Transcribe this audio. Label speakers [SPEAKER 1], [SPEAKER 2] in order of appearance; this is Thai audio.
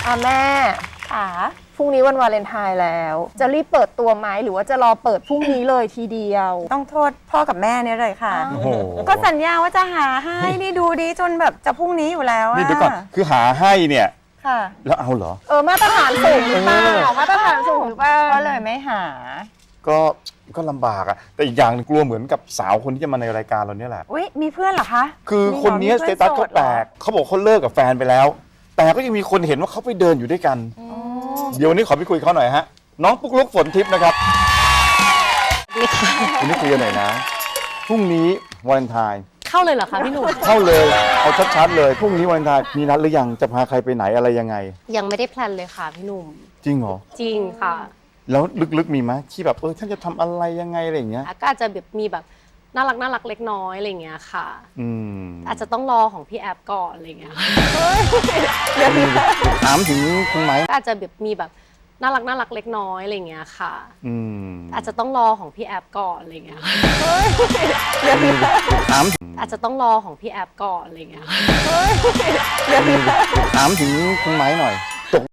[SPEAKER 1] แม่
[SPEAKER 2] ค่ะ
[SPEAKER 1] พรุ่งนี้วันวาเลนไทน์แล้วจะรีบเปิดตัวไหมหรือว่าจะรอเปิดพรุ่งนี้เลยทีเดียว
[SPEAKER 2] ต้องโทษพ่อกับแม่เนี่ยเลยค่ะ
[SPEAKER 3] โอ้โห
[SPEAKER 2] ก็สัญญาว่าจะหาให้นี่ดูดีจนแบบจะพรุ่งนี้อยู่แล้ว
[SPEAKER 3] นี่เดี๋ยวก่อนคือหาให้เนี่ย
[SPEAKER 2] ค่ะ
[SPEAKER 3] แล้วเอาเหรอ
[SPEAKER 1] มาตรฐานสูงหรือเปล่ามาตรฐานสูงหรือเปล่า
[SPEAKER 2] ก็เลยไม่หา
[SPEAKER 3] ก็ลำบากอะแต่อีกอย่างหนึ่งกลัวเหมือนกับสาวคนที่จะมาในรายการเราเนี่ยแหละ
[SPEAKER 2] อุ๊ยมีเพื่อนเหรอคะ
[SPEAKER 3] คือคนนี้สเตตัสเขาแปลกเขาบอกเขาเลิกกับแฟนไปแล้ว แต่ก็ยังมีคนเห็นว่าเขาไปเดินอยู่ด้วยกัน เดี๋ยววันนี้ขอไปคุยเขาหน่อยฮะน้องปุ๊กลุกฝนทิพย์นะครับวันนี้คุยกันหน่อยนะพรุ่งนี้วาเลนไทน์
[SPEAKER 4] เข้าเลยเหรอคะพี่หนุ่ม
[SPEAKER 3] เข้าเลยเอาชัดๆเลยพรุ่งนี้วาเลนไทน์มีนัดหรือยังจะพาใครไปไหนอะไรยังไง
[SPEAKER 4] ยังไม่ได้แพลนเลยค่ะพี่หนุ่ม
[SPEAKER 3] จริงเหรอ
[SPEAKER 4] จริงค่ะ
[SPEAKER 3] แล้วลึกๆมีไหมที่แบบท่านจะทำอะไรยังไงอะไรอย่างเงี้ย
[SPEAKER 4] ก็อาจจะแบบมีแบบน่ารักเล็กน้อยอะไรอย่างเงี้ยค่ะ
[SPEAKER 3] อืม
[SPEAKER 4] อาจจะต้องรอของพี่แอฟก่อนอะไรอย่างเงี้ยค่ะ
[SPEAKER 3] ถามถึงคุณไม้
[SPEAKER 4] ก็อาจจะแบบมีแบบน่ารักเล็กน้อยอะไรอย่างเงี้ยค่ะ
[SPEAKER 3] อืม
[SPEAKER 4] อาจจะต้องรอของพี่แอฟก่อนอะไรอย่างเงี้ยค่ะ
[SPEAKER 3] ถาม
[SPEAKER 4] อาจจะต้องรอของพี่แอฟก่อนอะไรอย่างเงี้ยค่ะ
[SPEAKER 3] ถามถึงคุณไม้หน่อย